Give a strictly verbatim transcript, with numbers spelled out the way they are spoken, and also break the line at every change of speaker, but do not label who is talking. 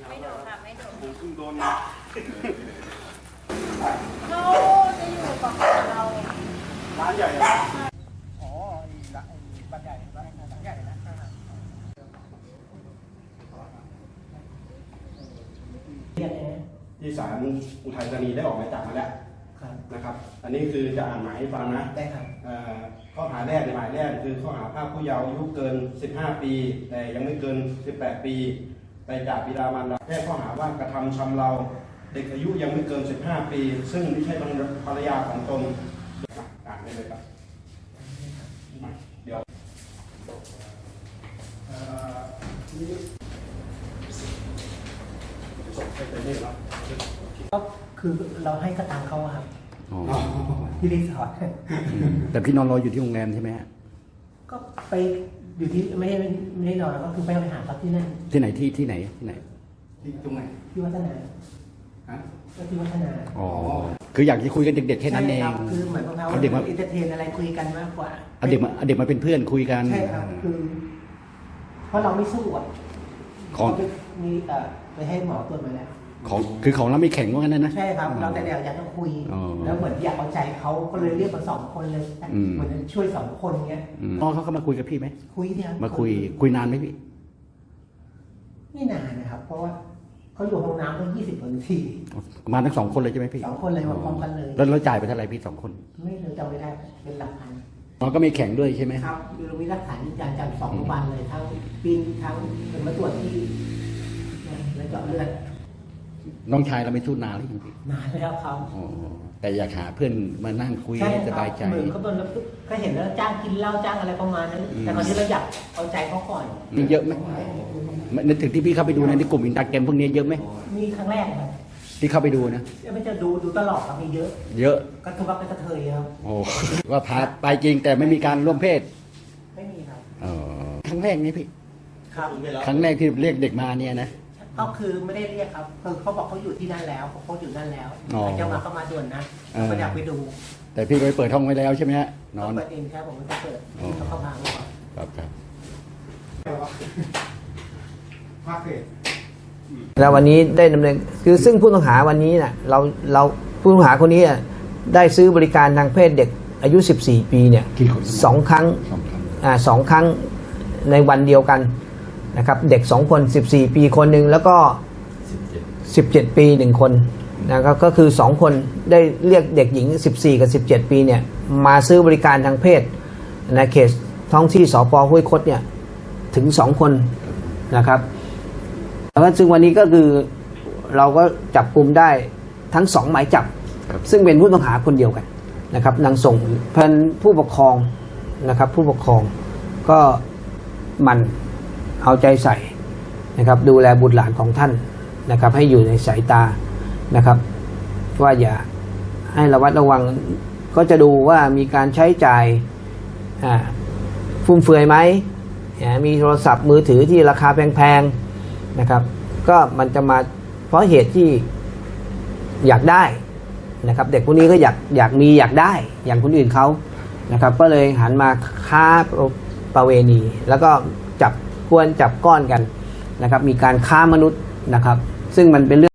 ไม่โดนค่ะไม่โดน
ผมคุณโดน
เขาจะอยู่กับเรา
ร้านใหญ่
อ๋อไอ้ร้านไอ้บ้านใหญ่บ้านหลังใหญ่นะ
ที่ศาลอุทัยธานีได้ออกหมายจับมาแล้วนะครับ อันนี้คือจะอ่านหมายให้ฟังนะ
ได้ครับ
ข้อหาแรกในหมายแรกคือข้อหาพรากผู้เยาว์อายุเกินสิบห้าปีแต่ยังไม่เกินสิบแปดปีไปจากบิดามารดาแจ้งข้อหาว่ากระทำชำเราเด็กอายุยังไม่เกินสิบห้าปีซึ่งไม่ใช่ภรรยาของตนอ่านได้เลยครับเดี๋ยวส่งไปเป็นนี่ครับ
ก็คือเราให้กระตังเขาครับที่รีสอร์ท
แต่พี่นอนรออยู่ที่โรงแรมใช่ไหมฮะ
ก็ไปอยู่ที่ไม่ได้ไม่ได้นอนแล้วก็คือไปไปหาเขาที่นั่น
ที่ไหนที่ที่ไหนที่ไหน
ที่ตรงไหน
ที่วัฒนา
ฮะ
ก็ที่วัฒนา
อ๋อคืออยากจะคุยกันเด็กๆแค่นั้นเอง
คือเหมือนกับเรา
เด็กมา
อินเตอร์เทนอะไรคุยกันมากกว่า
เอาเด็กมาเอาเด็กมาเป็นเพื่อนคุยกัน
ใช่ครับคือเพราะเราไม่สู้อ่ะ
ของ
มีเอ่อไปให้หมอตรวจมาแล้ว
ของคือของเราไม่แข็งว่างั้นนะ
ใช่ครับเราแต่เดี๋ยวอยากจะคุยแล้วเหมือนอยากเอาใจเขาก็เลยเรียกมาสองคนเลยเหมือนช่วยสองคนเงี้ย
น้องเขาเข้ามาคุยกับพี่ไหม
คุยเนี่ย
มาคุยคุยนานไหมพี่
ไม่นานนะครับเพราะว่าเขาอยู่ห้องน้ำตั้งยี่สิบนาที
มาทั้งสองคนเลยใช่ไหมพี่
สองคนเลยมาพร้อมกันเลย
แล้วเราจ่ายไปเท่าไหร่พี่สองคน
ไม่เลยจำไม่ได้เป็นหลักพัน
น้องก็ไม่แข็งด้วยใช่ไหม
ครับคือเรามีหลักฐานยืนยันจากสองโรงพยาบาลเลยทั้งปีนทั้งเป็นมาตรวจที่แล้วเจาะเลือด
น้องชายเราไม่สู้นานหรือยังพี่
นานแล้วครับ
แต่อยากหาเพื่อนมานั่งคุยให้สบายใจ
เหมือนเขาโดนก็เห็นแล้วจ้างกินเหล้าจ้างอะไรประมาณนั้นแต่ตอนนี้เราอยากเอาใจเขาก่อน
มีเยอะไหมนึกถึงที่พี่เข้าไปดูในกลุ่มอินสตาแกรมพวกนี้เยอะไหม
มีครั้งแรกครับ
ที่เข้าไปดูนะ
ไม่จะดูดูตลอดครับมีเยอะ
เยอะ
ก็ทุกวันเป็นกระเทยครับ
โอ้ว่าพาไปจริงแต่ไม่มีการร่วมเพศ
ไม่มีครับ
อ๋อครั้งแรกนี่พี่
ครับ
ครั้งแรกที่เรียกเด็กมาเนี่ยนะ
ก็คือไม่ได้เรียกครับคือเขาบอกเขาอยู่ที่นั่นแล้วเขาอยู่นั่นแล้วเจ้ามาเข้ามาด่วนนะก็อยากไปดู
แต่พี่ไปเปิดห้องไว้แล้วใช่ไหมฮะนอน
เปิดเองครับผมไม่ได้เปิดเขาเข้ามา
ครับครับ
ภาคเศษ
แล้ววันนี้ได้ดำเนินคือซึ่งผู้ต้องหาวันนี้น่ะเราเราผู้ต้องหาคนนี้ได้ซื้อบริการทางเพศเด็กอายุสิบสี่ปีเนี่ยสองครั้งอ่าสองครั้งในวันเดียวกันนะครับเด็กสองคนสิบสี่ปีคนหนึ่งแล้วก็สิบเจ็ดปีหนึ่งคนนะครับก็คือสองคนได้เรียกเด็กหญิงสิบสี่กับสิบเจ็ดปีเนี่ยมาซื้อบริการทางเพศในเขตท้องที่สป.ห้วยคดเนี่ยถึงสองคนนะครับแล้วซึ่งวันนี้ก็คือเราก็จับกลุ่มได้ทั้งสองหมายจับซึ่งเป็นผู้ต้องหาคนเดียวกันนะครับนางส่งเพื่อนผู้ปกครองนะครับผู้ปกครองก็มันเอาใจใส่นะครับดูแลบุตรหลานของท่านนะครับให้อยู่ในสายตานะครับว่าอย่าให้ระวัดระวังก็จะดูว่ามีการใช้จ่ายฟุ่มเฟือยไหมมีโทรศัพท์มือถือที่ราคาแพงๆนะครับก็มันจะมาเพราะเหตุที่อยากได้นะครับเด็กพวกนี้ก็อยากอยากมีอยากได้อย่างคนอื่นเขานะครับก็เลยหันมาค้าประเวณีแล้วก็จับกวนจับก้อนกันนะครับมีการค้ามนุษย์นะครับซึ่งมันเป็นเรื่อง